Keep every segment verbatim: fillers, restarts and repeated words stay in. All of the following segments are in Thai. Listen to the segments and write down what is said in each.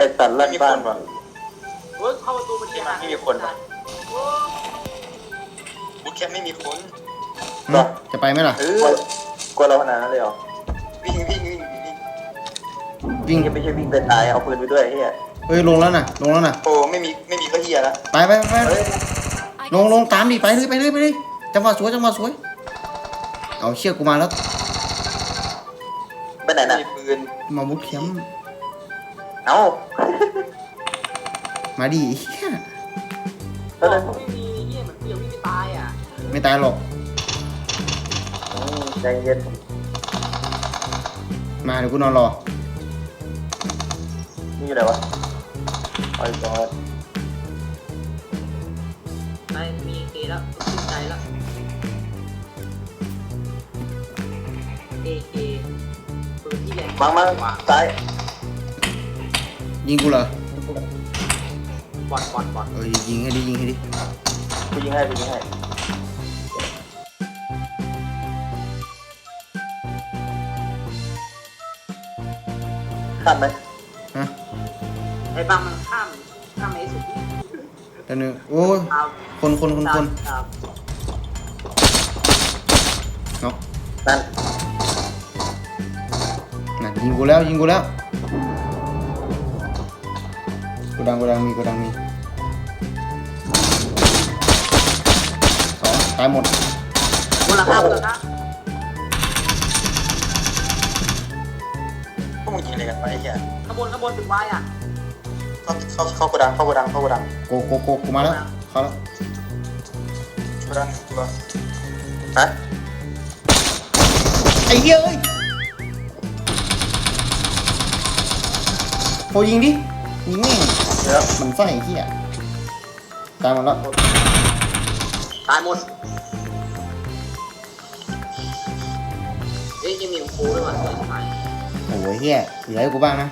อ้สันลั่นบ้านว่ะเฮ้ยเข้าประตูมันที่มันไม่มีคนว่ะโอ้บูทแคมป์ไม่มีคนอืมจะไปไหมล่ะเออกลัวเราขนาดนั้นเลยเหรอวิ่งวิ่งวิ่งวิ่งวิ่งยังไม่ใช่วิ่งเป็นตายเอาปืนไปด้วยเฮียเฮ้ยลงแล้วน่ะลงแล้วน่ะโอ้ไม่มีไม่มีก็เฮียแล้วไปไปไปเฮ้ยลงลงตามดิไปเลยไปเลยไปเลยจังหวะสวยจังหวะสวยเอาเชือกกูมาแล้วไปไหนน่ะมีปืนมาบุกแคมป์เอ้ามาดิแล้วเลยไม่มีเหี้ยเหมือนเดียววิ่งไม่ตายอ่ะไม่ตายหรอกอืมใจเย็นมาเดี๋ยวกูนอนรอนี่อยู่ไหนวะไอ้จอดไปมีเอแล้วชื่นใจแล้วเอเอปืนที่แรงมังมังซ้ายยิงกูเหรอบอดบอดบอดเออยิงให้ดิยิงให้ดิกูยิงให้กูยิงให้ข้ามไหมฮะไอ้บางมันข้ามข้ามไอ้สุดที่ตอนนึงโอ้ยตามคนคนคนคนตามเนาะนั่นน่ะยิงกูแล้วยิงกูแล้วกูดังกูดังมีกูดังมีสองตายหมดมูลค่ามูลค่าพวกมึงยิงอะไรกันไปไอ้เฮียข้างบนข้างบนตึกไว้อ่ะเข้าเข้าเข้าโกดังเข้าโกดังเข้าโกดังโกโกโกกูมาแล้วเข้าแล้วโกดังตัวฮะไอ้เหี้ยเอ้ยโหยิงดิยิงแม่งเดี๋ยวมันไส้ไอ้เหี้ยตายหมดแล้วตายหมดเอ้ยยังมีโค้ด้วยว่ะสวยชิบหายโอ้ยเหี้ยเหลือให้กูบ้างนะ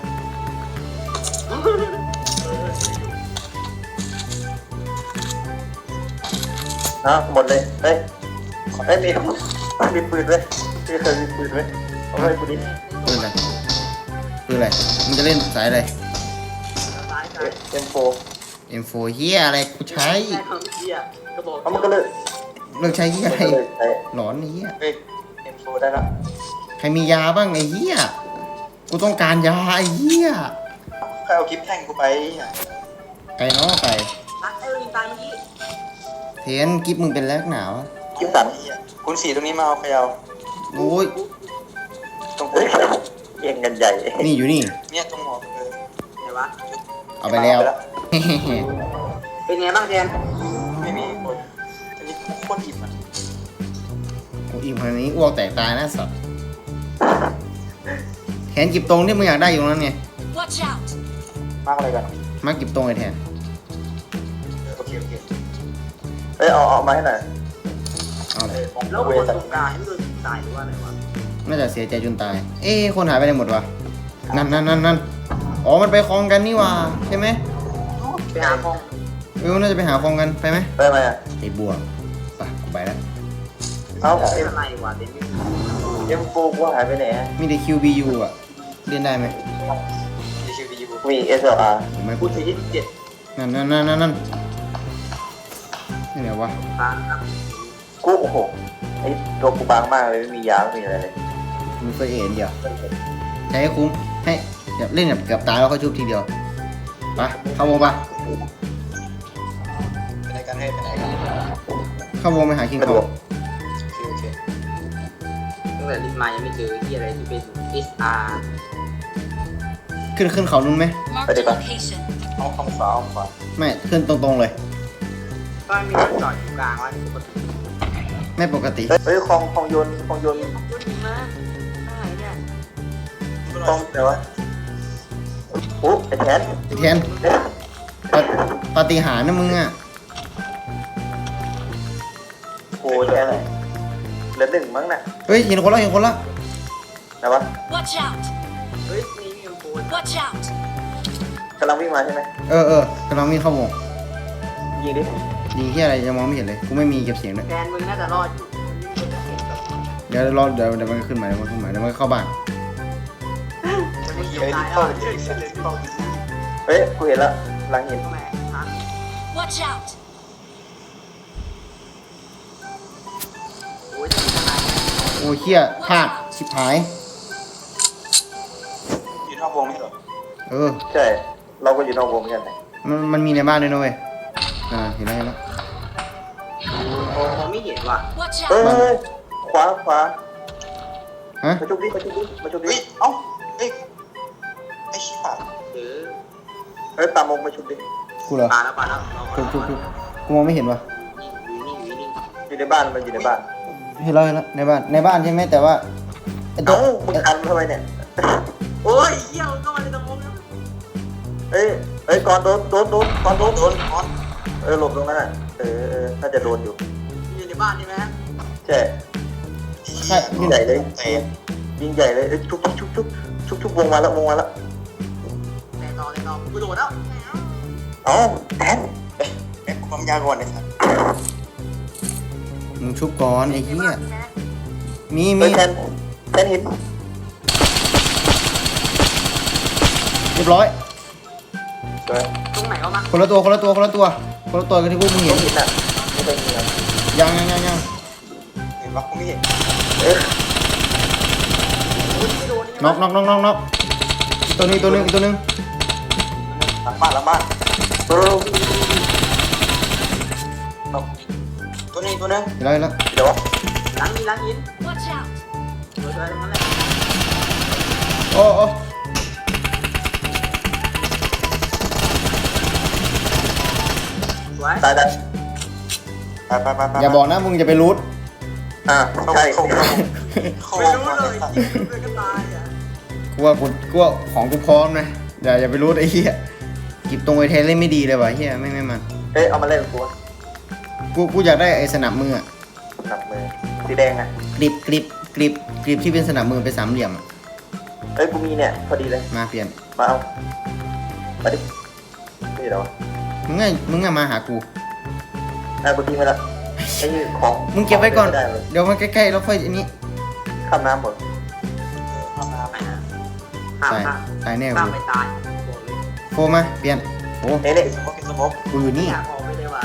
นะหมดเลยเฮ้ยเฮ้ยมีมีปืนด้วยพี่เคยมีปืนไหมเอาไว้กูดิปืนอะไรปืนอะไรมึงจะเล่นสายอะไรตายตายเอ็มโฟเอ็ม โฟร์ เหี้ยอะไรกูใช้ใช่ครับเหี้ยกระบอกเอามันก็เลยเลิกใช้เหี้ยมันอะไรก็เลยใช้หลอนไอ้เหี้ยเฮ้ยเอ็มโฟได้ละใครมียาบ้างไอ้เหี้ยกูต้องการยาไอ้เหี้ยใครเอาคลิปแท่งกูไปไอ้เหี้ยไก่น้อไก่ตายเออยิงตายเมื่อกี้เทนกิฟมึงเป็นแลกหนาวคิมสันไอ้เหี้ยคุณสีตรงนี้มาเอาใครเอาโอ้ยตรงกูเฮ้ยเอียงกันใหญ่นี่อยู่นี่เนี่ยตรงหัวเออไหนวะเอาไปแล้วเป็นไงบ้างแทนไม่มีคนอันนี้โคตรอิ่มอ่ะโอ้ยอิ่มขนาดนี้อ้วกแตกตายนะสัตว์แทนกิบตรงที่มึงอยากได้อยู่ตรงนั้นไง Watch out! มากอะไรกันมากิบตรงไอ้แทนโอเคโอเคเอ้ยเอาเอามาให้หน่อยเอาเลเอย อของแล้วกูคเวนตสัตรว์งกลางให้มันโดนตายหรือว่าอะไรวะน่าจะเสียใจจนตาย เอ้คนหายไปไหนหมดวะนั่นนั่นนั่นนั่นอ๋อมันไปคลองกันนี่หว่าใช่ไหมไปหาห้องเออน่าจะไปหาคลองกันไปไหมไปไหมอ่ะไอ้บัวไปกูไปแล้วเอาเป็เอ็นมอะไรวะเดนไม่รู้เอ็มโฟกูหายไปไหนอะมีแต่ คิว บี ยู อ่ะเล่นได้ไหมดีคิวบียูมีเอสเอลอาร์ผมไม่พูดถึงยี่สิบเจ็ดนั่นนั่นนั่นนั่นนั่นนี่ไหนวะกลางครับกูโอ้โหไอ้ตัวกูบางมากเลยไม่มียาไม่มีอะไรเลยมึงเคยเห็นเดียวใช้ให้คุ้มให้เดี๋ยวเล่นแบบเกือบตายแล้วค่อยชุบทีเดียวไปเข้าวงปะไปไหนกันให้ไปไหนกันเข้าวงไปหาคิงคองโอเคโอเคตั้งแต่ลินมายังไม่เจอที่อะไรที่เป็น เอส อาร์ขึ้นขึ้นเขานู้นไหม Marked a location. เอาข้างขวาเอาขวาไม่ขึ้นตรงๆเลยก็มีรถจอดอยู่กลางว่าปกติไม่ปกติเฮ้ยคลองคลองยนต์คลองยนต์รถดีมากอะไรเนี่ยคลองแต่ว่าโอ้ไอ้แทนไอ้แทนปาปาฏิหาริย์นะมึงอ่ะโอ้แทนไหนเหลือหนึ่งมั้งน่ะเฮ้ยเห็นคนละเห็นคนละนะวะ Watch out! เฮ้ยนี่มีโฟน Watch out! กำลังวิ่งมาใช่ไหมเออเออกำลังวิ่งเข้าวงยิงดิยิงที่อะไรจะมองไม่เห็นเลยกูไม่มีเก็บเสียงด้วยแฟนมึงน่าจะรอดอยู่เดี๋ยวรอเดี๋ยวเดี๋ยวมันก็ขึ้นมาเดี๋ยวมันขึ้นมาเดี๋ยวมันก็เข้าบ้านจะไม่เฮ้เกี่ยวย ตายเข้าแล้วไปเลยเข้าไปเลยไปเฮ้ยกูเห็นละหลังหินเข้ามาฮะ Watch out! โอ้ยจะมีอะไรโอ้ยเฮียพลาดชิบหายอยู่นอกวงไม่เหรอเออใช่เราก็อยู่นอกวงเหมือนกันมันมันมีในบ้านด้วยนะเว้ยอ่าเห็นแล้วเห็นแล้วโอ้ผมไม่เห็นว่ะ Watch เอ้ out! ยขวาขวาฮะมาชุบดิมาชุบดิมาชุบดิเฮ้ยเอ้าเฮ้ยไอ้ชิบหายหรือเฮ้ยตามมงมาชุบดิกูเหรอปลาแล้วปลาแล้วเราทุบทุบทุบกูมองไม่เห็นวะนิ่งอยู่นิ่งอยู่นิ่งอยู่ในบ้านมันอยู่ในบ้านเห็นแล้วเห็นแล้วในบ้านในบ้านใช่ไหมแต่ว่าไอ้ตัวเอ้ามึงทันทำไมเนี่ยโอ้ยเหี้ยมันก็มาในตะมุงแล้วเอ้ยเอ้ยก่อนโดนโดนโดนก่อนโดนโดนคอนเออหลบตรงนั้นอ่ะเออเออน่าจะโดนอยู่อยู่ในบ้านใช่ไหมใช่ใช่ยิงใหญ่เลยยิงใหญ่เลยเอ้ยชุบชุบชุบชุบชุบชุบวงมาแล้ววงมาแล้วแต่ต่อแต่ต่อกูโดดแล้วเอ้าแทนเอ้ยกูปั๊มยาก่อนเลยครับมึงชุบก่อนไอ้เหี้ยมีเฮ้มียแทนแทนเห็นเรียบร้อยเฮ้ยตรงไหนเอามาคนละตัวคนละตัวคนละตัวคนละตัวกันที่พวกมึงต้เห็อน งเห็นอ่ะไม่ต้องยิงอ่ะยังยังยังยังเห็นปะกูไม่เห็นเอ้ยอุ้ยไม่โดนนี่น็อกน็อกน็อกน็อกน็อกอีกตัวหนึงอีกตัวหนึงอีกตัวหนึงหลังบ้านหลังบ้านเออเอาตัวนี้ตัวนึงเห็นแล้วเห็นแล้วเดี๋ยววะล้างหินล้างหิน Watch out! โดนอะไรตรงนั้นแหละโอ้โอ้สวยตายได้ไปไปไปไปอย่าบอกนะมึงจะไปรูทอ่าเข้าใช่เข้าเข้าเข้าไม่วงรู้ก่อนเลเลย ยสัตว์ยิงเพื่อนก็ตายอ่ะกูว่ากูกูว่าของกูพร้อมนะอย่าอย่าไปรูทไอ้เหี้ยกิบตรงไอ้เทนเล่นไม่ดีเลยว่ะเหี้ยไม่ไม่มันเอ้ยเอามาเล่นกับกูวะกูกูอยากได้ไอ้สนับมืออะหนับมือสีแดงอ่ะกริบกริบกริบกริบที่เป็นสนับมือเป็นสามเหลี่ยมอะเอ้ยกูมีเนี่ยพอดีเลยมาเปลี่ยนมาเอามาดินี่เหรอวะมึงไงมึงไงมาหากูอ่ะกูทิ้งไว้ละไอ้นี่ของมึงเก็บไว้ก่อนม่ด้เลยเดี๋ยวมาใกล้ๆแล้วค่อยอันนี้ข้ามน้ำหมดเข้ามาไปนะข้ามตายข้ามตายแน่ข้ามกูไปตายบอกเลยโฟมาเปลี่ยนโอ้เอ้ยเนี่ยสมมติสมมติกูอยู่ไม่นี่อยากออกไปเลยว่ะ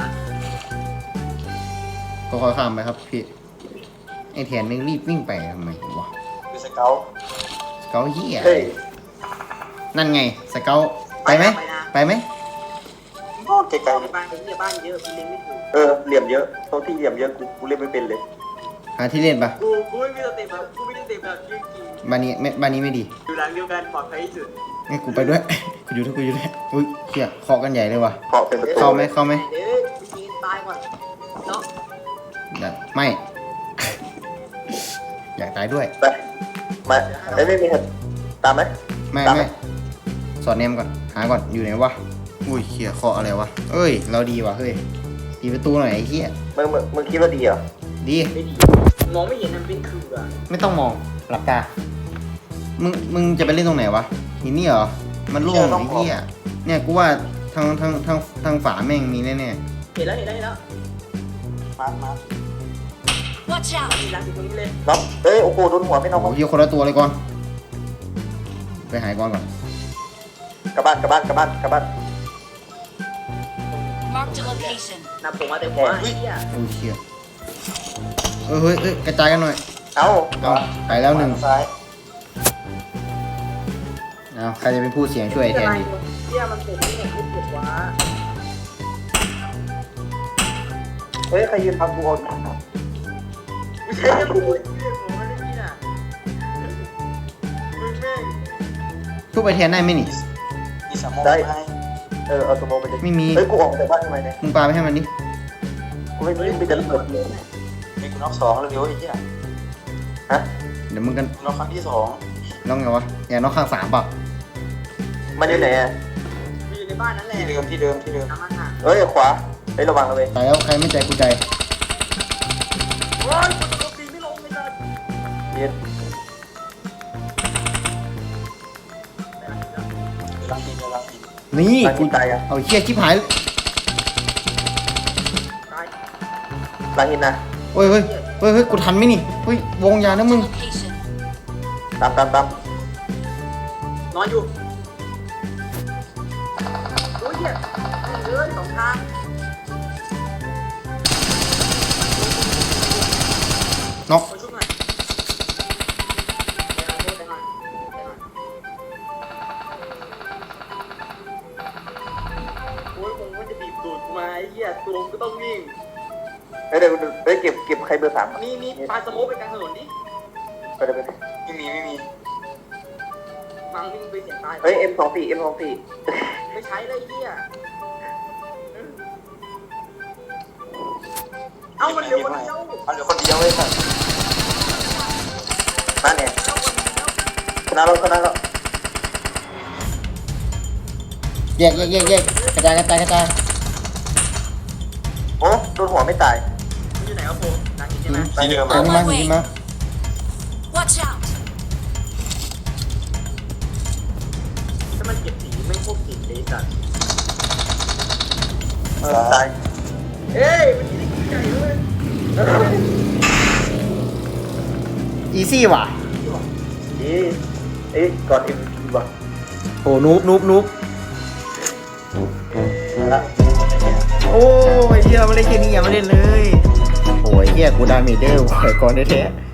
ก็ค่อยๆข้ามไปครับพี่ไอ้แทนนึงรีบวิ่งไปทำไมวะคือสเกลสเกลเหี้ยเฮ้ยนั่นไงสเกลไปไหมไปนะไปไหมโอ้ไกลไปบ้านไปที่บ้านเยอะกูเล่นไม่ถูกเออเหลี่ยมเยอะโต๊ะที่เหลี่ยมเยอะกูกูเล่นไม่เป็นเลยหาที่เล่นปะกูกูไม่มีสเต็ปแบบกูไม่ได้สเต็ปแบบจริงจริงบ้านนี้ไม่บ้านนี้ไม่ดีอยู่หลังเดียวกันปลอดภัยที่สุดงั้นกูไปด้วย กูอยู่ด้วยกูอยู่ด้วยอุ้ยเหี้ยเคาะกันใหญ่เลยว่ะเคาะเป็นประตูเข้าไหมเข้าไหมเดี๋ยวกูยิงตายก่อนเนาะอยากไม่ อยากตายด้วยไปมาเอ้ยไม่มีเหตุตามไหมไม่ตามไหมไม่สอดเนมก่อนหาก่อนอยู่ไหนวะอุ้ยเหี้ยเคาะอะไรวะเอ้ยเราดีว่ะเฮ้ยดีประตูหน่อยไอ้เหี้ยมึงมึงมึงคิดว่าดีเหรอดีไม่ดีมองไม่เห็นมันเป็นคืออะไม่ต้องมองหลับตา มึง มึงจะไปเล่นตรงไหนวะหินนี่เหรอ มันโล่งไอ้เหี้ย เนี่ยกูว่าทางทางทางทางฝาแม่งมีแน่เห็นแล้วเห็นแล้วเห็นแล้วๆมามา Watch out! มีร้านอยู่ตรงนี้เลยน้องเอ้ยโอ้โหโดนหัวไม่ๆน้องโอ้โหเหี้ยคนละตัวเลยก่อน ไปหายก่อนก่อนกลับบ้านกลับบ้านกลับบ้านกลับบ้าน Marked a location. นำผมมาเต็มหัวไอ้เหี้ยโอ้ยเชี่ยเออเฮ้ยเอ้ยกระจายกันหน่อยเอ้าเอาไปแล้วหนึ่งซ้ายเอาใครจะเป็นผู้เสียงช่วยไอ้แทนดีเหี้ยมันผมไม่เห็นไม่เก็บวะเฮ้ยใครยืนทำกูเอาไม่ใช่แค่ผมผมไม่ได้นี่น่ะมึงแม่งทุบไอ้แทนได้ไหมนี่มีสมองให้เออเอาสโมองไปดิไม่มีเฮ้ยกูออกจากบ้านทำไมเนี่ยมึงปาไปให้มันดิกูไม่มีมีแต่ระเบิดเลยมีกูน็อกสองแล้วเดี๋ยวไอ้เหี้ยฮะเดี๋ยวมึงกันกูน็อกครั้งที่สองน้องไงวะ อย่าน้องข้างสามเปล่ะมันอยู่ไหนอ่ะมีอยู่ในบ้านนั่นแหละที่เดิมที่เดิมที่เดิมน้ำมันห่างเอ้ยขวาเฮ้ยระวังนะเว้ยตายแล้วใครไม่ใจกูใจโอ้ยกูตกตีไม่ลงเลยจ้ะยืนเดี๋ยวลังกินเดี๋ยวลังกินนี่ตายกูกูตายอ่ะเอาเชี่ยชิบหายตายหลังหินนะเฮ้ยเฮ้ยเฮ้ยเฮ้ยกูทันไหมนี่ เฮ้ย วงยานะมึง Location. ตามตามตามนอนอยู่หี้ยเลื่อนสองทางน็อกมาชุบหน่อยไปหน่อยไปหน่อยโอ้ยผมว่าจะบีบตูดมาไอ้เหี้ยตัวก็ต้องวิ่งเฮ้ยเดี๋ยวเดี๋ยวเก็บเก็บใครเบอร์สามมีมีปลาสโมกไปกลางถนนดิไปเดี๋ยวไปไม่มีไม่มีฟังวิ่งไปเสียงตายเฮ้ยเอ็มสองสี่เอ็มสองสี่ไม่ใช้เลยไอ้เหี้ยเอ้ามันเร็วคนเดียวเอาเหลือคนเดียวไอ้สัตว์นั่นเนี่ยชนะแล้วชนะแล้วแยกแยกแยกแยกกระจายกระจายกระจายโอ้โดนหัวไม่ตายมันอยู่ไหนวะโฟดังอีกใช่ไหมที่เดิมยิงมายิงมา Watch out! ถ้ามันเก็บสีไม่พวกสีเลยสัตว์เออตายเอ้ยมันยิงได้ไก่ด้วยอีซี่ว่ะเอ๊ะเอ๊ะก่อนเอ็มว่ะโอ้นูบนูบนูบมาละโอ้ยเหี้ยไม่เล่นแค่นี้อย่ามาเล่นเลยโอ้ยเหี้ยกูดาเมจเดอร์ไว้ก่อนแท้ๆ